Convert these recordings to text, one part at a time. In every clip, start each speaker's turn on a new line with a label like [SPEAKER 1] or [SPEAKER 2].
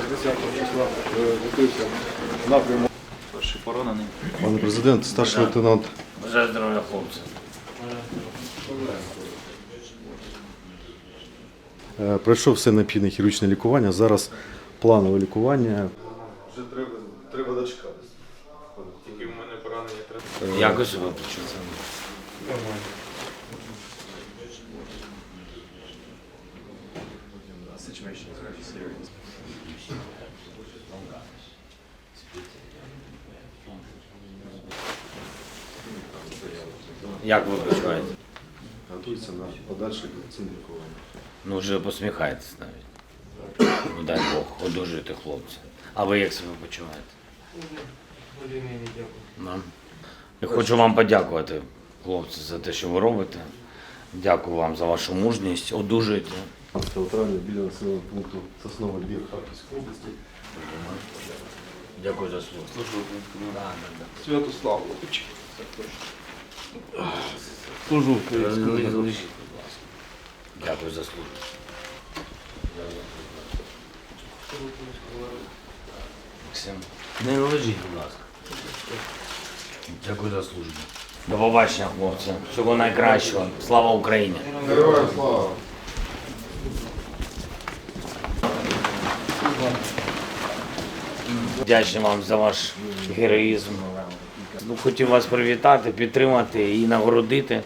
[SPEAKER 1] 10 числа готується напрямок.
[SPEAKER 2] Перший поранений.
[SPEAKER 3] Пане президент, старший лейтенант.
[SPEAKER 2] Бажаю здоров'я, хлопці.
[SPEAKER 3] Пройшов все необхідне хірургічне лікування. Зараз планове лікування.
[SPEAKER 1] Вже треба дочекатися.
[SPEAKER 4] Тільки в мене поранення треба.
[SPEAKER 2] Якось ви почули?
[SPEAKER 1] Нормально.
[SPEAKER 2] Як ви почуваєте?
[SPEAKER 3] Готується на подальше повноцінне лікування.
[SPEAKER 2] Ну вже посміхаєтесь навіть. Ну дай Бог, одужуйте хлопці. А ви як себе почуваєте? Да. Я хочу вам подякувати, хлопці, за те, що ви робите. Дякую вам за вашу мужність. Одужуйте.
[SPEAKER 3] 15 травня біля населеного пункту Сосновий Бір Харківської області.
[SPEAKER 2] Дякую за службу.
[SPEAKER 1] Святославович. Служу українському народу.
[SPEAKER 2] Лежіть, будь ласка. Дякую за службу. Максим, не лежіть, будь ласка. Дякую за службу. До побачення, хлопці. Всього найкращого. Слава Україні!
[SPEAKER 1] Героям слава!
[SPEAKER 2] Вдячний вам за ваш героїзм. Ну, хотів вас привітати, підтримати і нагородити.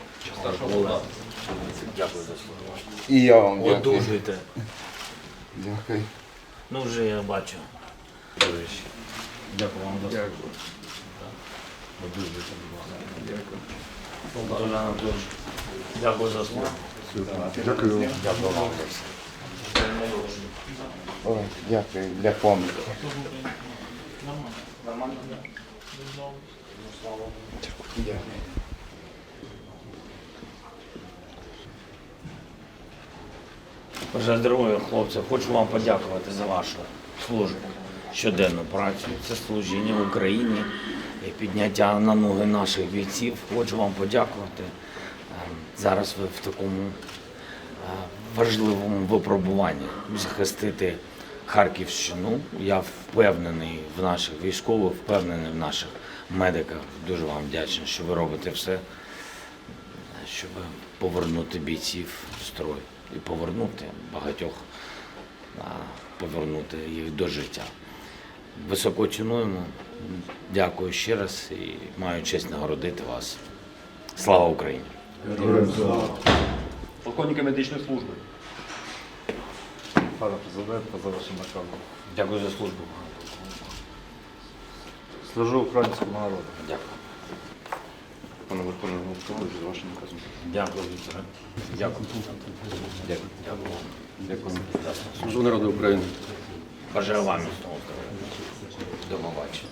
[SPEAKER 2] Дякую за службу.
[SPEAKER 5] І я вам дякую.
[SPEAKER 2] Одужуйте.
[SPEAKER 5] Дякую.
[SPEAKER 2] Ну, вже я бачу. Дякую вам за службу. Одужуйте, будь ласка. Дякую. Анатолій Анатолійович, дякую за службу.
[SPEAKER 3] Дякую.
[SPEAKER 2] Дякую вам за все.
[SPEAKER 5] Ой, дякую для пам'яті.
[SPEAKER 2] Нормально?
[SPEAKER 5] Дякую.
[SPEAKER 2] Бажаю здоров'я, хлопці. Хочу вам подякувати за вашу службу, щоденну працю. Це служіння Україні і підняття на ноги наших бійців. Хочу вам подякувати. Зараз ви в такому важливому випробуванні захистити Харківщину. Я впевнений в наших військових, впевнений в наших медиках. Дуже вам вдячний, що ви робите все, щоб повернути бійців в строй і повернути багатьох, повернути їх до життя. Високо цінуємо. Дякую ще раз і маю честь нагородити вас. Слава Україні!
[SPEAKER 4] Полковника медичної служби.
[SPEAKER 3] Пане президент, за вашим наказом.
[SPEAKER 2] Дякую за службу.
[SPEAKER 3] Служу українському народу.
[SPEAKER 2] Дякую.
[SPEAKER 4] Пане Верховний Головкович, за вашим наказом.
[SPEAKER 2] Дякую, Вікторе. Дякую. Дякую. Дякую вам.
[SPEAKER 4] Дякую.
[SPEAKER 2] Служу народу України. Бажаю вам міцного здоров'я. До побачення.